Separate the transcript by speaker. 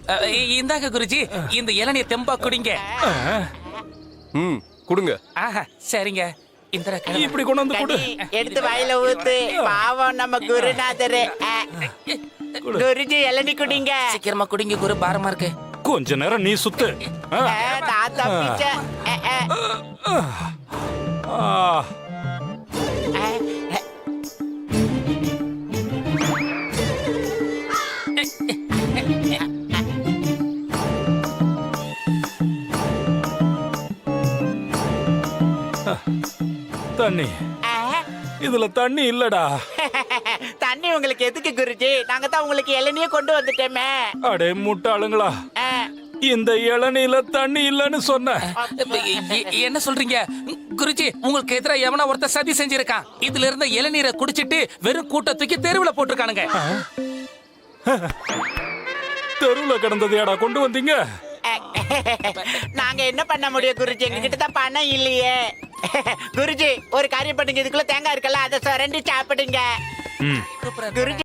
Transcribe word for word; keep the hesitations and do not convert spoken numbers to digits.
Speaker 1: இந்தாங்க குருஜி, இந்த இளநிய தெம்பா குடிங்க.
Speaker 2: ம் கொடுங்க.
Speaker 1: ஆஹா, சரிங்க. இந்த
Speaker 3: இப்படி கொண்டு வந்து கொடு.
Speaker 4: எடுத்து வாயில ஊத்து. பாவம் நம்ம குருநாதரு. குருஜி இளநீ குடிங்க.
Speaker 1: சீக்கிரமா குடிங்க குரு, பாரமா இருக்கு.
Speaker 3: கொஞ்ச நேரம் நீ சுத்து.
Speaker 4: நான் தப்பிச்சேன்.
Speaker 3: தண்ணி, இதுல தண்ணி இல்லடா.
Speaker 4: தண்ணி உங்களுக்கு எதுக்கு குருஜி? நாங்க தான் உங்களுக்கு இளநியே கொண்டு வந்துட்டோமே.
Speaker 3: அடே முட்டாளுங்களா, இந்த இளநீல தண்ணி இல்லன்னு சொன்ன.
Speaker 1: என்ன சொல்றீங்க குருஜி? உங்களுக்கு எதிரா எவனா ஒருத்தர் சதி செஞ்சிருக்கான். இதுல இருந்த இளநீரை குடிச்சிட்டு வெறும் கூட்ட தூக்கி தெருவுல போட்டிருக்கானுங்க.
Speaker 3: தெருவுல கிடந்ததையாடா கொண்டு வந்தீங்க?
Speaker 4: நாங்க என்ன பண்ண முடியும் குருஜி? எங்க கிட்ட தான் பணம் இல்லையே. குருஜி ஒரு காரியம் பண்ணுங்க, இதுக்குள்ள தேங்காய் இருக்கல, அதை சுரண்டி சாப்பிடுங்க. குருஜி